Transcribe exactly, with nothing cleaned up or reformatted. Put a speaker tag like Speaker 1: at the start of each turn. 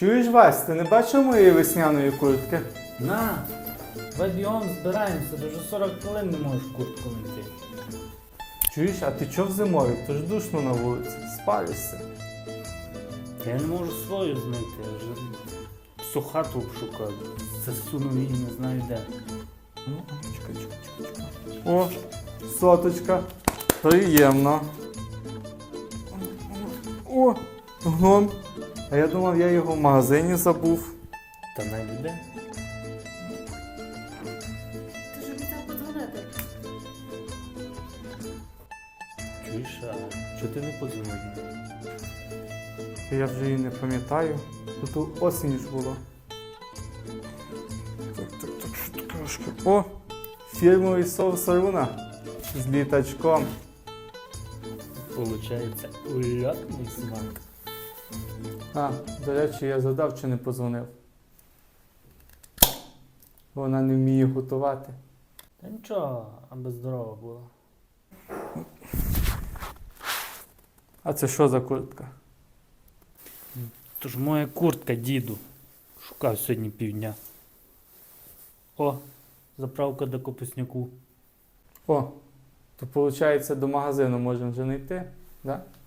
Speaker 1: Чуєш, Вась, ти не бачив моєї весняної куртки?
Speaker 2: На! Давай бігом збираємося, ти вже сорок хвилин не можеш куртку знайти.
Speaker 1: Чуєш, а ти чого в зимові? То ж душно на вулиці, спалишся.
Speaker 2: Я не можу свою знайти, я вже всю хату обшукав. Засунув її не знаю де.
Speaker 1: Ну, чекай, чекай, чекай, чекай. О, соточка. Приємно. О, гном. А я думав, я його в магазині забув.
Speaker 2: Та не буде.
Speaker 3: Ти ж обіцяв подзвонити.
Speaker 2: Чуєш, а чого ти не подзвонив?
Speaker 1: Я вже її не пам'ятаю. Тут осінь ж було. Так, так, так, що таке важке? О, фірмовий соус Аруна з літачком.
Speaker 2: Получається, ульотний смак.
Speaker 1: А, до речі, я задав чи не подзвонив. Вона не вміє готувати.
Speaker 2: Та нічого, аби здорова була.
Speaker 1: А це що за куртка?
Speaker 2: То ж моя куртка, діду. Шукав сьогодні півдня. О, заправка до капусняку.
Speaker 1: О, то виходить, до магазину можемо вже не йти, да?